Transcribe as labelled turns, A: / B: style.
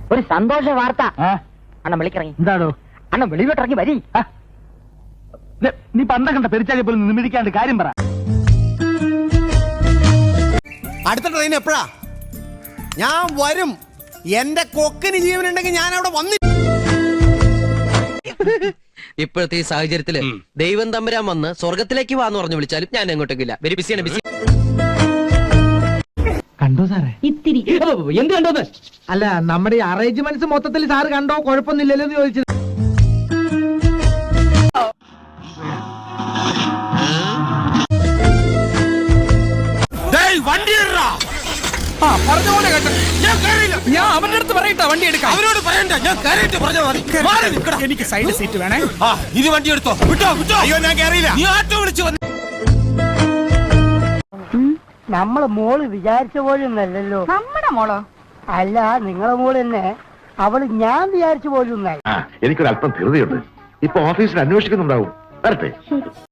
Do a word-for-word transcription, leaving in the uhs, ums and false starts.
A: ഒരു സന്തോഷ വാർത്ത. അണ്ണൻ വിളിക്കിറങ്ങി.
B: എന്താണോ?
A: അണ്ണൻ വെളിയിലോട്ടിറങ്ങി വരി.
B: നീ പണ്ട കണ്ട പെരിച്ചാലി പോലും നിമിടിക്കാണ്ട് കാര്യം പറ.
C: അടുത്ത ട്രെയിൻ എപ്പോഴാ? ഞാൻ വരും. എന്റെ കൊക്കിന് ജീവനുണ്ടെങ്കിൽ ഞാൻ അവിടെ വന്നി.
D: ഇപ്പോഴത്തെ ഈ സാഹചര്യത്തില് ദൈവം തമ്പുരാൻ വന്ന് സ്വർഗത്തിലേക്ക് വാന്ന് പറഞ്ഞു വിളിച്ചാലും ഞാൻ എങ്ങോട്ടേക്കില്ല. വെരി ബിസിയാണ് ബിസി.
B: കണ്ടോ സാറേ?
A: ഇത്തിരി എന്ത് കണ്ടോന്ന്?
B: അല്ല, നമ്മുടെ ഈ അറേഞ്ച്മെന്റ്സ് മൊത്തത്തിൽ സാറ് കണ്ടോ? കുഴപ്പമൊന്നുമില്ലല്ലോ എന്ന് ചോദിച്ചത്.
E: ഞാൻ അവന്റെ അടുത്ത് പറയട്ടെ വണ്ടി എടുക്കാം.
C: അവരോട് പറയണ്ട, ഞാൻ കയറിയിട്ട് പറഞ്ഞാൽ മതി.
E: എനിക്ക് സൈഡ് സീറ്റ് വേണേ.
C: ഇത് വണ്ടി എടുത്തോ. വിട്ടോ വിട്ടോ. അയ്യോ, ഞാൻ കയറിയില്ല. നീ ആട്ടോ വിളിച്ചു വന്നു.
A: നമ്മളെ മോള് വിചാരിച്ച പോലെയൊന്നല്ലോ.
F: നമ്മുടെ മോളോ?
A: അല്ല, നിങ്ങളെ മോള് തന്നെ. അവള് ഞാൻ വിചാരിച്ച പോലെയൊന്നായി.
G: എനിക്കൊരല്പം ധൃതിയുണ്ട്. ഇപ്പൊ ഓഫീസിൽ അന്വേഷിക്കുന്നുണ്ടാവും. വരട്ടെ.